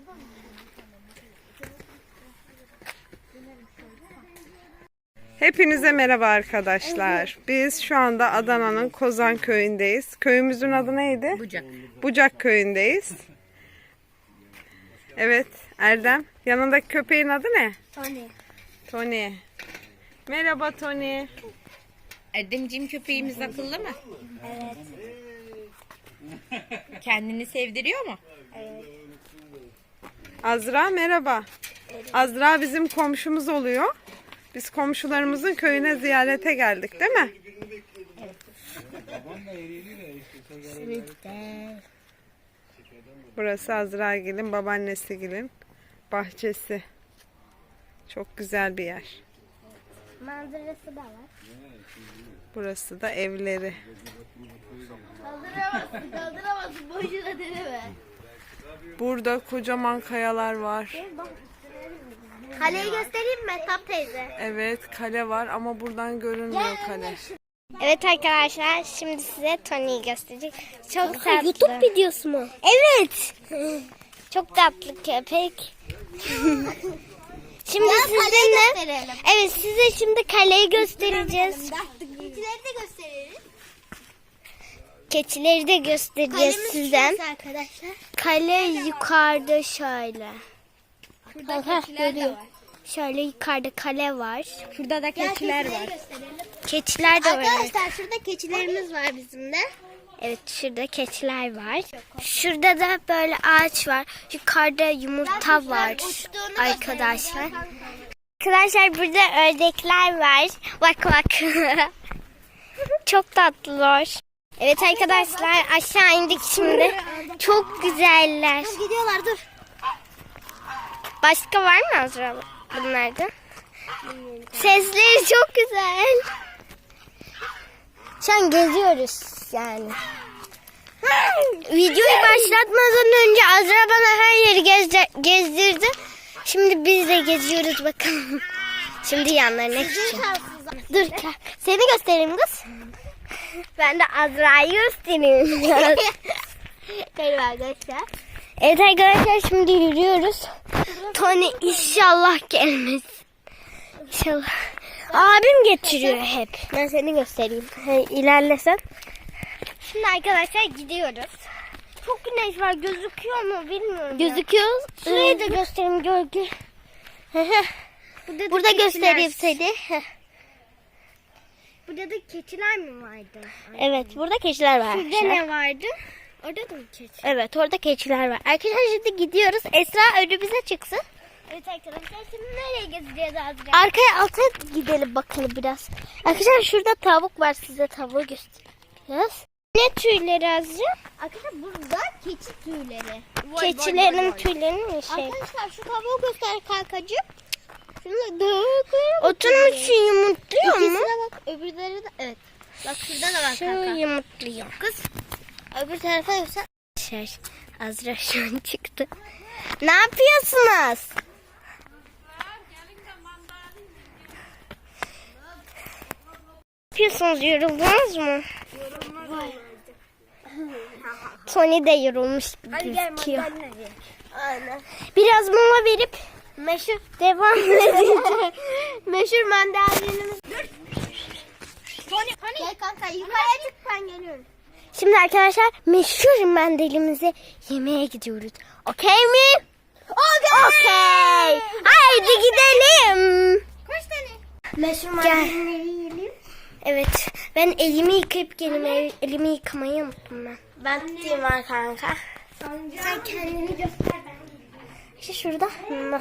Hepinize merhaba arkadaşlar. Biz şu anda Adana'nın Kozan köyündeyiz. Köyümüzün adı neydi? Bucak. Bucak köyündeyiz. Evet Erdem. Yanındaki köpeğin adı ne? Tony. Tony. Merhaba Tony. Erdemciğim, köpeğimiz akıllı mı? Evet. Kendini sevdiriyor mu? Evet. Azra merhaba. Azra bizim komşumuz oluyor. Biz komşularımızın köyüne ziyarete geldik değil mi? Burası Azragil'in babaannesigil'in bahçesi. Çok güzel bir yer. Manzarası da var. Burası da evleri. Kaldıramazsın. Boşuna deneme. Burada kocaman kayalar var. Kaleyi göstereyim mi Tap teyze? Evet kale var ama buradan görünmüyor kale. Evet arkadaşlar, şimdi size Tony'yi göstereceğim. Çok tatlı. YouTube videosu mu? Evet. Çok tatlı köpek. Şimdi sizinle, evet size şimdi kaleyi göstereceğiz. Keçileri de gösteririz. Keçileri de göstereceğiz sizden. Arkadaşlar. Kale yukarıda şöyle. Burada keçiler de var. Şöyle yukarıda kale var. Şurada da keçiler var. Keçiler de var. Arkadaşlar şurada keçilerimiz var bizim de. Evet şurada keçiler var. Şurada da böyle ağaç var. Yukarıda yumurta var arkadaşlar. Arkadaşlar burada ördekler var. Bak bak. Çok tatlılar. Evet arkadaşlar aşağı indik şimdi. Çok güzeller. Gidiyorlar dur. Başka var mı Azra bunlarda? Sesleri çok güzel. Şu an geziyoruz yani. Videoyu başlatmadan önce Azra bana her yeri gezdirdi. Şimdi biz de geziyoruz bakalım. Şimdi yanlarına gideceğim. Dur seni göstereyim kız. Ben de Azra'yı göstereyim. Evet arkadaşlar. Evet arkadaşlar şimdi yürüyoruz. Tony inşallah gelmez. İnşallah. Abim getiriyor hep. Ben seni göstereyim. İlerlesen. Şimdi arkadaşlar gidiyoruz. Çok güneş var. Gözüküyor mu bilmiyorum. Gözüküyor. Şurayı da göstereyim gölge. Burada göstereyim seni. Burada da keçiler mi vardı? Evet burada keçiler var. Şurada ne vardı? Orada da mı keçi? Evet orada keçiler var. Arkadaşlar şimdi gidiyoruz. Esra önümüze çıksın. Evet arkadaşlar şimdi nereye gezeceğiz Azra? Arkaya alta gidelim bakalım biraz. Arkadaşlar şurada tavuk var, size tavuğu göstereceğiz. Ne tüyleri Azra? Arkadaşlar burada keçi tüyleri. Keçilerin tüylerini mi şey? Arkadaşlar şu tavuğu göster kankacığım. Oturmuş yumurtluyor mu? Bak öbürleri de evet. Bak şurada da var kanka. Şu yumurtluyor. Kız öbür tarafa göster. Azra şu an çıktı. Ne yapıyorsunuz? Ne yapıyorsunuz? Yoruldunuz mu? Tony de yorulmuş gibi gözüküyor. Aynen. Biraz mama verip devam edeceğiz. Meşhur mandalinimiz. Dur. Tony. Gel kanka yukarıya çık ben geliyorum. Şimdi arkadaşlar meşhur mandalimizi yemeye gidiyoruz. Okey mi? Okey. Haydi gidelim. Kaç tane? Meşhur mandalini yiyelim. Evet. Ben elimi yıkayıp geldim. Elimi yıkamayı unuttum ben. Ben tutayım var kanka. Sen kendini göster ben. İşte şurada.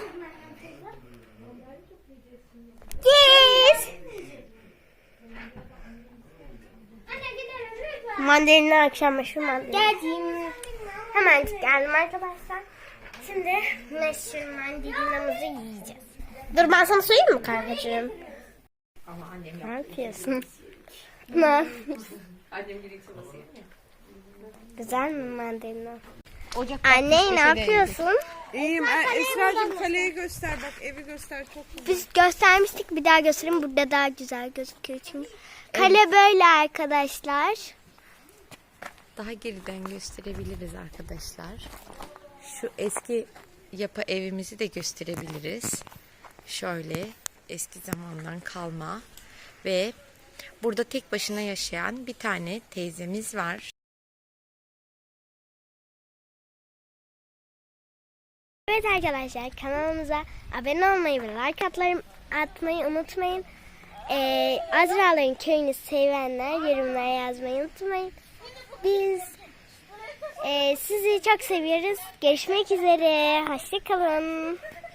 Yes. Mandalina akşam meşhur mandalina. Geldim. Hemen geldim arkadaşlar. Şimdi meşhur mandalinamızı yiyeceğiz. Dur ben sana söyleyeyim mi kankacığım? Ama annem Ne yapıyorsun? Ne? Annem direkt sobası yapıyor. Güzel mi mandalina? Ocakta Anne ne yapıyorsun? İyiyim. Esra'cığım kaleyi göster bak. Evi göster. Çok güzel. Biz göstermiştik, bir daha göstereyim. Burada daha güzel gözüküyor çünkü. Kale böyle arkadaşlar. Daha geriden gösterebiliriz arkadaşlar. Şu eski yapı evimizi de gösterebiliriz. Şöyle eski zamandan kalma ve burada tek başına yaşayan bir tane teyzemiz var. Evet arkadaşlar, kanalımıza abone olmayı ve like atmayı unutmayın. Azra'ların köyünü sevenler yorumlara yazmayı unutmayın. Biz sizi çok seviyoruz. Görüşmek üzere. Hoşça kalın.